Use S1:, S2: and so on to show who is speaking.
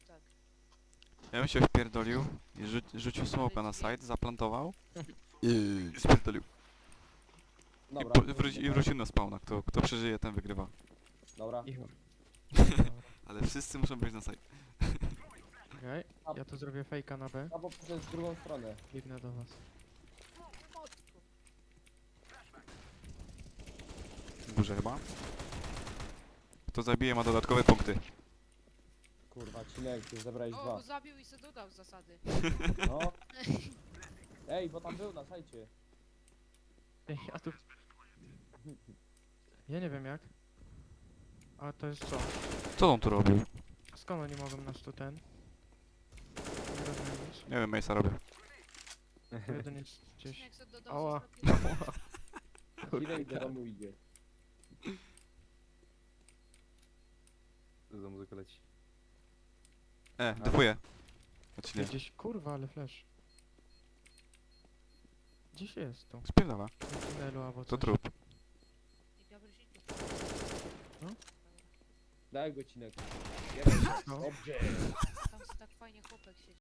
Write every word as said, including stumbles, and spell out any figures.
S1: tak.
S2: Ja bym się wpierdolił i rzu rzucił smoka na side, zaplantował i spierdolił. I,
S3: Dobra,
S2: po, wróci, I wrócił na spawna. Kto, kto przeżyje, ten wygrywa.
S3: dobra.
S4: Ich...
S2: Ale wszyscy muszą być na side.
S4: Okej, ja tu zrobię fejka na B.
S3: Albo przez drugą stronę.
S4: Biegnę do was.
S1: No, mocno.
S2: W górze chyba. Kto zabije, ma dodatkowe punkty.
S3: Kurwa, Cinek, ty zebrałeś
S1: O,
S3: dwa.
S1: bo zabił i se dodał z zasady.
S3: No. Ej, bo tam był na sajcie.
S4: Ej, a tu... Ja nie wiem jak. A to jest co?
S2: Co on tu robił?
S4: Skąd oni mogą nas tu ten? Nie rozumiem nic.
S2: Nie wiem, Mace'a robię.
S4: Tu jeden jest gdzieś...
S1: Jak se dodał
S4: Ała.
S1: z zapisu.
S3: Cinek do domu idzie.
S5: Za muzyka leci.
S2: E, defuję.
S4: Tu
S2: Odcinek.
S4: gdzieś... Kurwa, ale flash. Gdzieś jest tu.
S2: Spierdala.
S4: W tunelu albo
S2: To
S4: coś.
S2: trup.
S1: I diabeł się tu.
S4: No.
S3: Daj go, Cinek. Jeden.
S4: No.
S3: Dobrze.
S1: Tam se tak fajnie chłopek siedzi.